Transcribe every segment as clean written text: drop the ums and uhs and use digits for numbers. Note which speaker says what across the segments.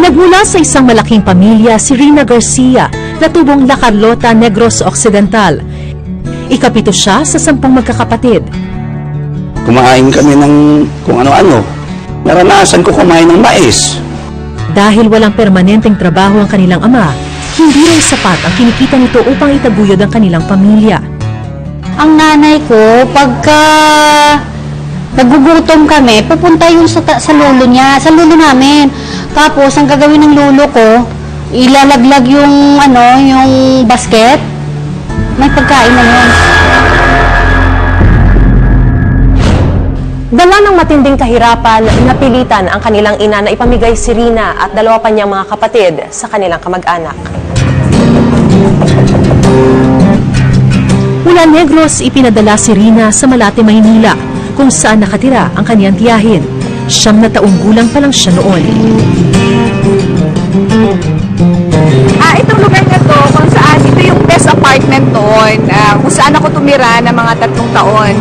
Speaker 1: Nagmula sa isang malaking pamilya si Rina Garcia na tubong La Carlota, Negros Occidental. Ikapito siya sa 10 magkakapatid.
Speaker 2: Kumain kami ng kung ano-ano. Naranasan ko kumain ng mais.
Speaker 1: Dahil walang permanenteng trabaho ang kanilang ama, hindi rin sapat ang kinikita nito upang itaguyod ang kanilang pamilya.
Speaker 3: Ang nanay ko, pagka nagugutom kami, pupunta yun sa lolo niya, sa lolo namin. Tapos, ang gagawin ng lolo ko, ilalaglag yung, yung basket. May pagkain na yun.
Speaker 4: Dala ng matinding kahirapan, napilitan ang kanilang ina na ipamigay si Rina at 2 pa niyang mga kapatid sa kanilang kamag-anak.
Speaker 1: Mula Negros, ipinadala si Rina sa Malate, Maynila, kung saan nakatira ang kanyang tiyahin. 9 na taong gulang pa lang siya noon.
Speaker 5: Itong lugar na to, kung saan ito yung best apartment doon, kung saan ako tumira ng mga 3 taon.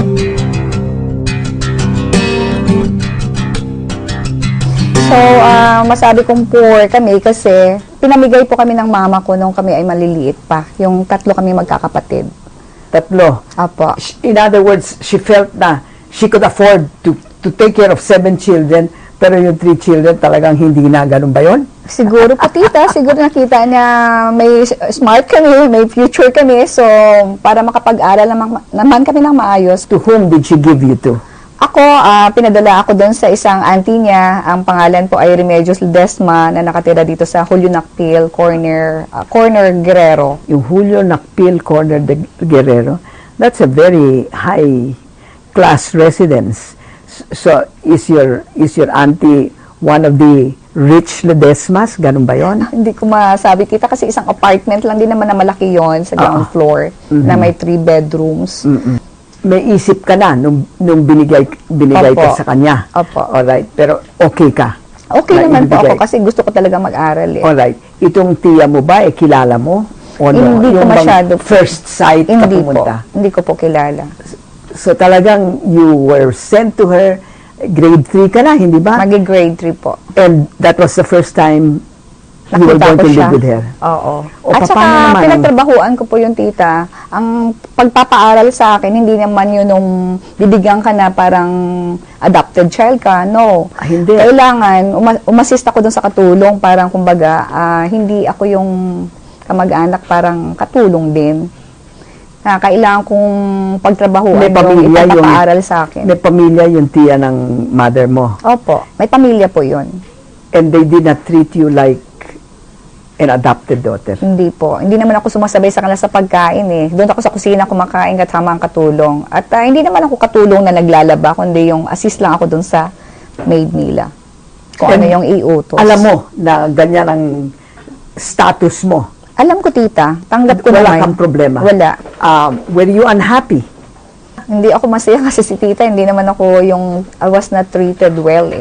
Speaker 6: So, masabi kong poor kami kasi pinamigay po kami ng mama ko nung kami ay maliliit pa. Yung 3 kami magkakapatid.
Speaker 7: 3.
Speaker 6: Apo.
Speaker 7: In other words, she felt na she could afford to take care of 7 children, pero yung 3 children talagang hindi na. Ganun ba yun?
Speaker 6: Siguro po tita, siguro nakita niya may smart kami, may future kami. So, para makapag-aral naman kami ng maayos.
Speaker 7: To whom did she give you to?
Speaker 6: Ako, pinadala ako doon sa isang auntie niya. Ang pangalan po ay Remedios Ledesma na nakatira dito sa Julio Nacpil, corner Guerrero.
Speaker 7: Yung Julio Nacpil Corner de Guerrero, that's a very high class residence. So, is your auntie one of the rich Ledesmas? Ganun ba yon?
Speaker 6: Hindi ko masabi kita kasi isang apartment lang din naman na malaki yon sa ground floor na may 3 bedrooms.
Speaker 7: May isip ka na nung binigay
Speaker 6: Opo.
Speaker 7: ka sa kanya.
Speaker 6: Opo.
Speaker 7: Alright, pero okay ka.
Speaker 6: Okay
Speaker 7: na
Speaker 6: naman po
Speaker 7: ibigay.
Speaker 6: ako kasi gusto ko talaga mag-aral eh.
Speaker 7: Alright. Itong tiya mo ba, kilala mo? O no?
Speaker 6: Hindi ko
Speaker 7: Yung bang
Speaker 6: masyado.
Speaker 7: first sight ka
Speaker 6: Hindi po.
Speaker 7: pumunta?
Speaker 6: Hindi ko po kilala.
Speaker 7: So talagang you were sent to her, grade 3 ka na, hindi ba?
Speaker 6: Magi-grade 3 po.
Speaker 7: And that was the first time you were
Speaker 6: Nakita
Speaker 7: going
Speaker 6: ko
Speaker 7: to
Speaker 6: siya.
Speaker 7: live with her.
Speaker 6: Oo.
Speaker 7: O,
Speaker 6: At
Speaker 7: paano
Speaker 6: saka,
Speaker 7: naman?
Speaker 6: pinagtrabahuan ko po yung tita. Ang pagpapaaral sa akin, hindi naman yun nung bibigyan ka na parang adopted child ka. No.
Speaker 7: Hindi.
Speaker 6: Kailangan, umasist ako dun sa katulong. Parang, kumbaga, hindi ako yung kamag-anak, parang katulong din. Kailangan kong pagtrabahuan
Speaker 7: May pamilya
Speaker 6: yung ipapaaral sa akin.
Speaker 7: May pamilya yung tiya ng mother mo.
Speaker 6: Opo. May pamilya po yun.
Speaker 7: And they did not treat you like an adopted daughter.
Speaker 6: Hindi po. Hindi naman ako sumasabay sa kanila sa pagkain eh. Doon ako sa kusina kumakain kasama ang katulong. At hindi naman ako katulong na naglalaba, kundi yung assist lang ako doon sa maid nila. Kung ano yung iutos.
Speaker 7: Alam mo na ganyan ang status mo.
Speaker 6: Alam ko, tita. Tanggap ko
Speaker 7: Wala
Speaker 6: naman.
Speaker 7: kang problema.
Speaker 6: Wala.
Speaker 7: Were you unhappy?
Speaker 6: Hindi ako masaya kasi si tita, hindi naman ako yung I was not treated well eh.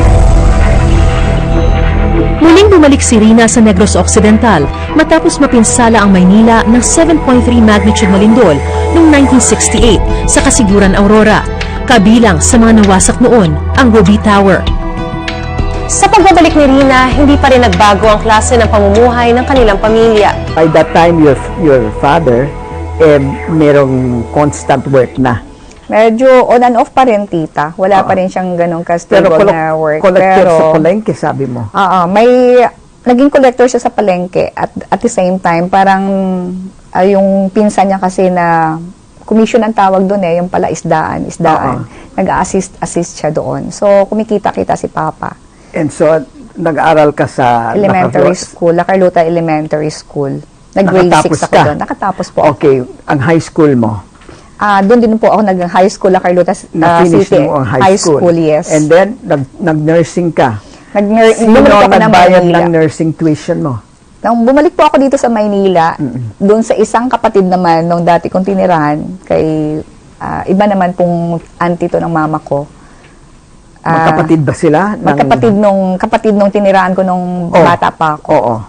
Speaker 1: Muling bumalik si Rina sa Negros Occidental matapos mapinsala ang Maynila ng 7.3 magnitude na lindol noong 1968 sa Kasiguran, Aurora. Kabilang sa mga nawasak noon ang Ruby Tower.
Speaker 4: Sa pagbabalik ni Rina, hindi pa rin nagbago ang klase ng pamumuhay ng kanilang pamilya.
Speaker 7: By that time, your father, merong constant work na.
Speaker 6: Medyo on and off pa rin, tita. Wala pa rin siyang ganong
Speaker 7: Pero
Speaker 6: ka-stable na work.
Speaker 7: collector sa palengke, sabi mo.
Speaker 6: May naging collector siya sa palengke at the same time parang yung pinsan niya kasi na commission ang tawag doon eh, yung pala isdaan. Nag-assist siya doon. So kumikita-kita si Papa.
Speaker 7: And so, nag-aaral ka sa
Speaker 6: Elementary school, La Carlota Elementary School. Nag-grade 6 ako
Speaker 7: ka?
Speaker 6: doon. Nakatapos po.
Speaker 7: Okay, ang high school mo.
Speaker 6: Doon din po ako nag-high school, La Carlota
Speaker 7: Na-finish
Speaker 6: City.
Speaker 7: mo ang high school.
Speaker 6: Yes.
Speaker 7: And then, nag-nursing ka.
Speaker 6: Sino
Speaker 7: Sino
Speaker 6: ako ng
Speaker 7: nagbayad
Speaker 6: Maynila.
Speaker 7: ng nursing tuition mo?
Speaker 6: Nung bumalik po ako dito sa Maynila, doon sa isang kapatid naman nung dati kong tinirahan, kay iba naman pong auntie to ng mama ko.
Speaker 7: Magkapatid ba sila?
Speaker 6: Kapatid nung tinirahan ko nung bata pa ako.
Speaker 7: Oo.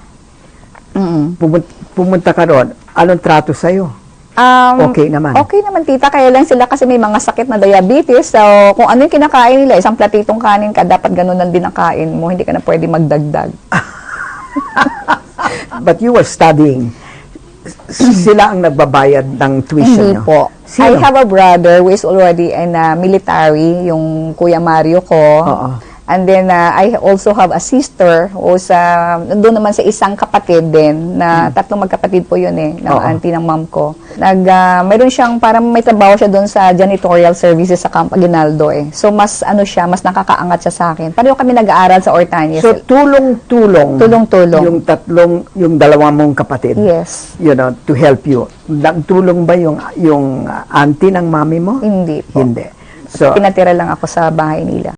Speaker 7: Pumunta ka ron. Anong trato sa'yo? Okay naman.
Speaker 6: Okay naman, tita. Kaya lang sila kasi may mga sakit na diabetes. So, kung ano yung kinakain nila, isang platitong kanin ka, dapat ganun lang din ang kain mo. Hindi ka na pwede magdagdag.
Speaker 7: But you were studying. Sila ang nagbabayad ng tuition
Speaker 6: Hindi
Speaker 7: nyo?
Speaker 6: po. I
Speaker 7: Sino?
Speaker 6: have a brother who is already in military, yung Kuya Mario ko.
Speaker 7: Oo.
Speaker 6: And then, I also have a sister who's doon naman sa isang kapatid din, na tatlong magkapatid po yun ng
Speaker 7: Oo.
Speaker 6: auntie ng mom ko. Mayroon siyang, parang may trabaho siya doon sa janitorial services sa Camp Aguinaldo So, mas nakakaangat siya sa akin. Pareho kami nag-aaral sa Ortanyes.
Speaker 7: So, tulong-tulong.
Speaker 6: Tulong-tulong.
Speaker 7: Yung dalawa mong kapatid.
Speaker 6: Yes.
Speaker 7: To help you. Nagtulong ba yung auntie ng mami mo?
Speaker 6: Hindi po.
Speaker 7: Hindi. So,
Speaker 6: Pinatira lang ako sa bahay nila.